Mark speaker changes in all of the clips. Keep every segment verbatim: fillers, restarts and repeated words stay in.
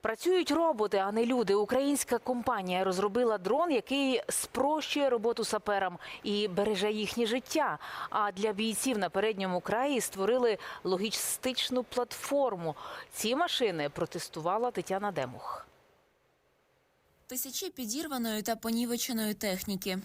Speaker 1: Працюють роботи, а не люди. Українська компанія розробила дрон, який спрощує роботу саперам і береже їхнє життя. А для бійців на передньому краї створили логістичну платформу. Ці машини протестувала Тетяна Демух.
Speaker 2: Тисячі підірваної та понівеченої техніки.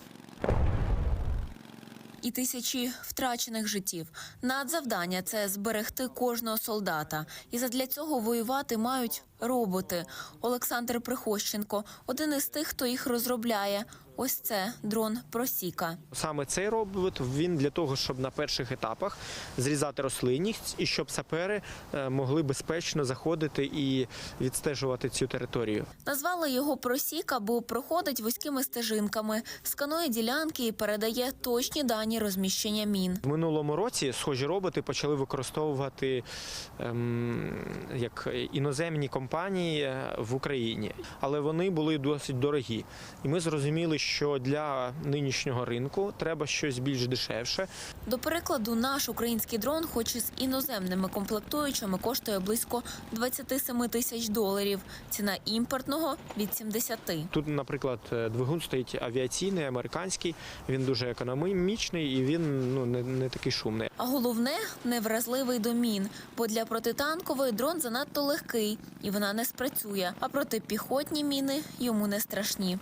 Speaker 2: І тисячі втрачених життів. Надзавдання – це зберегти кожного солдата. І задля цього воювати мають роботи. Олександр Прихощенко – один із тих, хто їх розробляє. Ось це дрон «Просіка».
Speaker 3: Саме цей робот, він для того, щоб на перших етапах зрізати рослинність і щоб сапери могли безпечно заходити і відстежувати цю територію.
Speaker 2: Назвали його «Просіка», бо проходить вузькими стежинками, сканує ділянки і передає точні дані розміщення мін.
Speaker 3: В минулому році схожі роботи почали використовувати ем, як іноземні компанії в Україні, але вони були досить дорогі. І ми зрозуміли, що для нинішнього ринку треба щось більш дешевше.
Speaker 2: До прикладу, наш український дрон, хоч і з іноземними комплектуючими, коштує близько двадцять сім тисяч доларів. Ціна імпортного – від сімдесяти.
Speaker 3: Тут, наприклад, двигун стоїть авіаційний, американський, він дуже економічний і він ну, не, не такий шумний.
Speaker 2: А головне – невразливий до мін, бо для протитанкової дрон занадто легкий і вона не спрацює, а протипіхотні міни йому не страшні.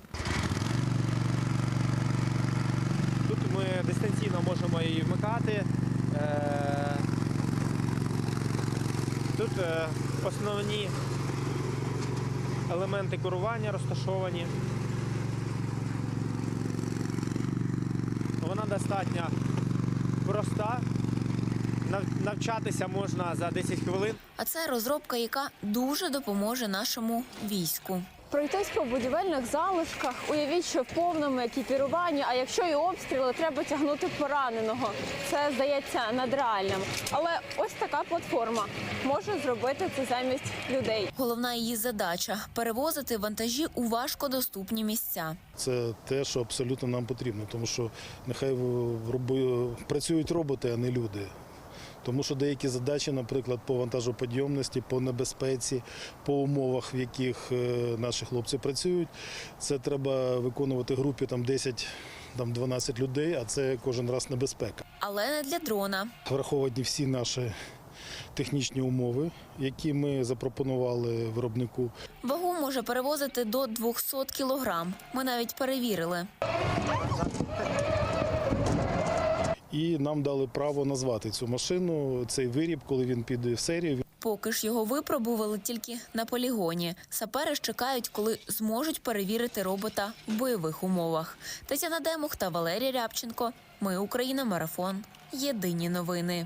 Speaker 3: Тут ми дистанційно можемо її вмикати. Тут основні елементи керування розташовані. Вона достатньо проста. Навчатися можна за десять хвилин.
Speaker 2: А це розробка, яка дуже допоможе нашому війську.
Speaker 4: Пройтись по будівельних залишках, уявіть, що в повному екіпіруванні, а якщо і обстріли, треба тягнути пораненого. Це, здається, надреальним. Але ось така платформа може зробити це замість людей.
Speaker 2: Головна її задача – перевозити вантажі у важкодоступні місця.
Speaker 5: Це те, що абсолютно нам потрібно, тому що нехай в роби... працюють роботи, а не люди. Тому що деякі задачі, наприклад, по вантажопідйомності, по небезпеці, по умовах, в яких наші хлопці працюють, це треба виконувати групі там десять-дванадцять людей, а це кожен раз небезпека.
Speaker 2: Але не для дрона.
Speaker 5: Враховані всі наші технічні умови, які ми запропонували виробнику.
Speaker 2: Вагу може перевозити до двохсот кілограм. Ми навіть перевірили.
Speaker 5: І нам дали право назвати цю машину, цей виріб, коли він піде в серію.
Speaker 2: Поки ж його випробували тільки на полігоні. Сапери ж чекають, коли зможуть перевірити робота в бойових умовах. Тетяна Демух та Валерій Рябченко. Ми Україна. Марафон. Єдині новини.